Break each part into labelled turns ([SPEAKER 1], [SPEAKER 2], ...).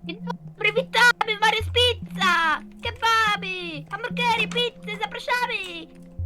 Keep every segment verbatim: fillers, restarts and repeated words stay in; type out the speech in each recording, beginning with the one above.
[SPEAKER 1] Dzień dobry, witamy, Marys Pizza! Kebaby, hamburgery, pizzy, zapraszamy!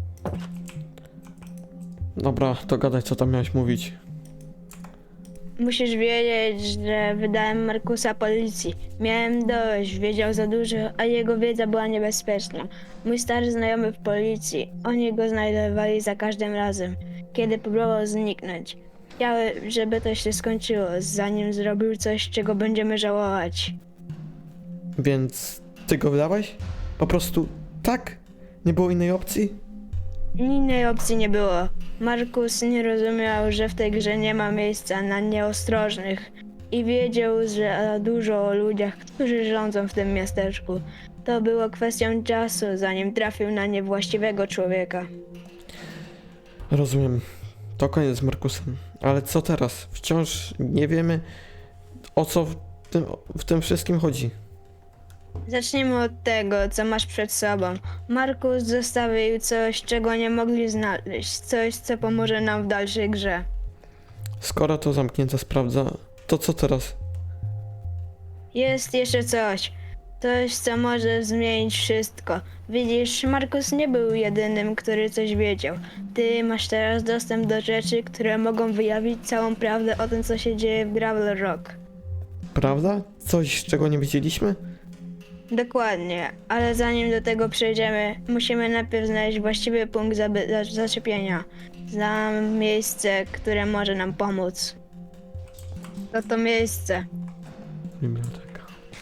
[SPEAKER 2] Dobra, to gadaj, co tam miałeś mówić.
[SPEAKER 3] Musisz wiedzieć, że wydałem Markusa policji. Miałem dość, wiedział za dużo, a jego wiedza była niebezpieczna. Mój stary znajomy w policji, oni go znajdowali za każdym razem, kiedy próbował zniknąć. Chciałem, żeby to się skończyło, zanim zrobił coś, czego będziemy żałować.
[SPEAKER 2] Więc ty go wydałeś? Po prostu tak? Nie było innej opcji?
[SPEAKER 3] Innej opcji nie było. Markus nie rozumiał, że w tej grze nie ma miejsca na nieostrożnych i wiedział, że za dużo o ludziach, którzy rządzą w tym miasteczku. To było kwestią czasu, zanim trafił na niewłaściwego człowieka.
[SPEAKER 2] Rozumiem. To koniec z Markusem. Ale co teraz? Wciąż nie wiemy, o co w tym, w tym wszystkim chodzi.
[SPEAKER 3] Zacznijmy od tego, co masz przed sobą. Markus zostawił coś, czego nie mogli znaleźć. Coś, co pomoże nam w dalszej grze.
[SPEAKER 2] Skoro to zamknięta sprawdza, to co teraz?
[SPEAKER 3] Jest jeszcze coś. Coś, co może zmienić wszystko. Widzisz, Markus nie był jedynym, który coś wiedział. Ty masz teraz dostęp do rzeczy, które mogą wyjawić całą prawdę o tym, co się dzieje w Gravel Rock.
[SPEAKER 2] Prawda? Coś, czego nie wiedzieliśmy?
[SPEAKER 3] Dokładnie, ale zanim do tego przejdziemy, musimy najpierw znaleźć właściwy punkt zaby- za- zaczepienia. Znam miejsce, które może nam pomóc. To to miejsce.
[SPEAKER 2] Biblioteka.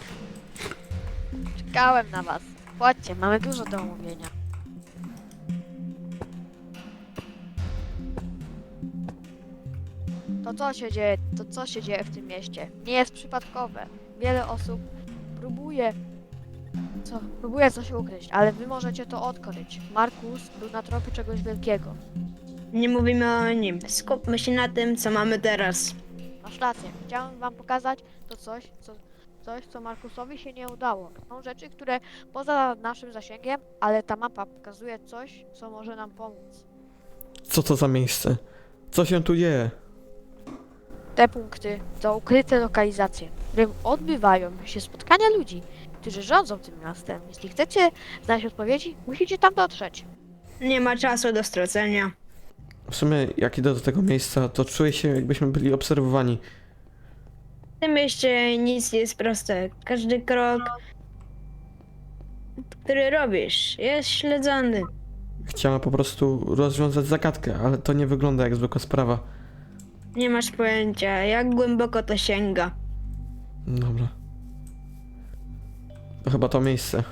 [SPEAKER 1] Czekałem na was. Chodźcie, mamy dużo do omówienia. To co się dzieje, to co się dzieje w tym mieście, nie jest przypadkowe. Wiele osób próbuje, co, próbuje coś ukryć, ale wy możecie to odkryć. Markus był na tropie czegoś wielkiego.
[SPEAKER 3] Nie mówimy o nim. Skupmy się na tym, co mamy teraz.
[SPEAKER 1] Masz rację, chciałem wam pokazać to coś, co, coś, co Markusowi się nie udało. Są rzeczy, które poza naszym zasięgiem, ale ta mapa pokazuje coś, co może nam pomóc.
[SPEAKER 2] Co to za miejsce? Co się tu dzieje?
[SPEAKER 1] Te punkty to ukryte lokalizacje, w którym odbywają się spotkania ludzi, którzy rządzą tym miastem. Jeśli chcecie znaleźć odpowiedzi, musicie tam dotrzeć.
[SPEAKER 3] Nie ma czasu do stracenia.
[SPEAKER 2] W sumie, jak idę do tego miejsca, to czuję się, jakbyśmy byli obserwowani.
[SPEAKER 3] W tym mieście nic nie jest proste. Każdy krok, który robisz, jest śledzony.
[SPEAKER 2] Chciałem po prostu rozwiązać zagadkę, ale to nie wygląda jak zwykła sprawa.
[SPEAKER 3] Nie masz pojęcia, jak głęboko to sięga.
[SPEAKER 2] Dobra. To chyba to miejsce.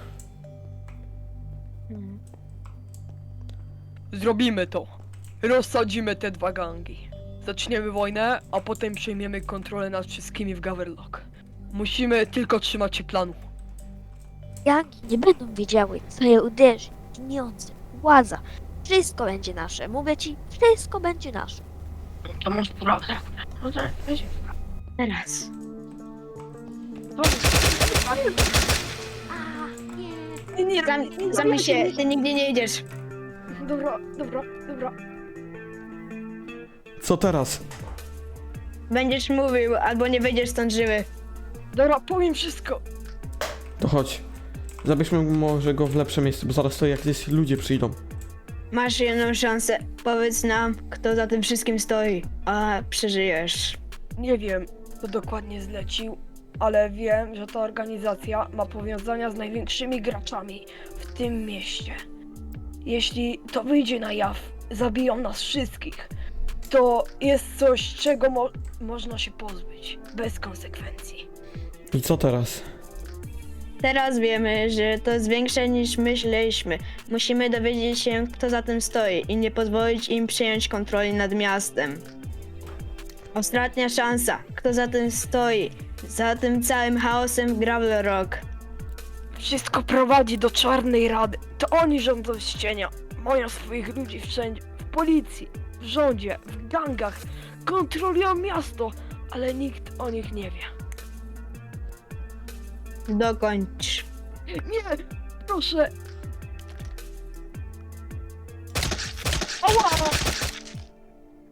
[SPEAKER 4] Zrobimy to. Rozsadzimy te dwa gangi. Zaczniemy wojnę, a potem przejmiemy kontrolę nad wszystkimi w Gaverlock. Musimy tylko trzymać się planu.
[SPEAKER 5] Gangi nie będą wiedziały, co je uderzy. Pieniądze, władza. Wszystko będzie nasze. Mówię ci, wszystko będzie nasze.
[SPEAKER 4] To masz prawdę.
[SPEAKER 3] Teraz.
[SPEAKER 4] Nie, nie,
[SPEAKER 3] Zam, zamknij się, ty nigdzie nie idziesz.
[SPEAKER 4] Dobra, dobra, dobra.
[SPEAKER 2] Co teraz?
[SPEAKER 3] Będziesz mówił, albo nie wyjdziesz stąd żywy.
[SPEAKER 4] Dobra, powiem wszystko.
[SPEAKER 2] To chodź. Zabierzmy może go w lepsze miejsce, bo zaraz to jakieś ludzie przyjdą.
[SPEAKER 3] Masz jedną szansę. Powiedz nam, kto za tym wszystkim stoi, a przeżyjesz.
[SPEAKER 4] Nie wiem, kto dokładnie zlecił, ale wiem, że ta organizacja ma powiązania z największymi graczami w tym mieście. Jeśli to wyjdzie na jaw, zabiją nas wszystkich. To jest coś, czego mo można się pozbyć, bez konsekwencji.
[SPEAKER 2] I co teraz?
[SPEAKER 3] Teraz wiemy, że to jest większe niż myśleliśmy. Musimy dowiedzieć się, kto za tym stoi i nie pozwolić im przejąć kontroli nad miastem. Ostatnia szansa. Kto za tym stoi? Za tym całym chaosem w Gravel Rock.
[SPEAKER 4] Wszystko prowadzi do Czarnej Rady. To oni rządzą z cienia. Mają swoich ludzi wszędzie. W policji, w rządzie, w gangach. Kontrolują miasto, ale nikt o nich nie wie.
[SPEAKER 3] Dokończ.
[SPEAKER 4] Nie! Proszę! Ała!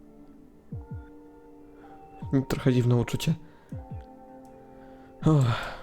[SPEAKER 2] Trochę dziwne uczucie. Uff.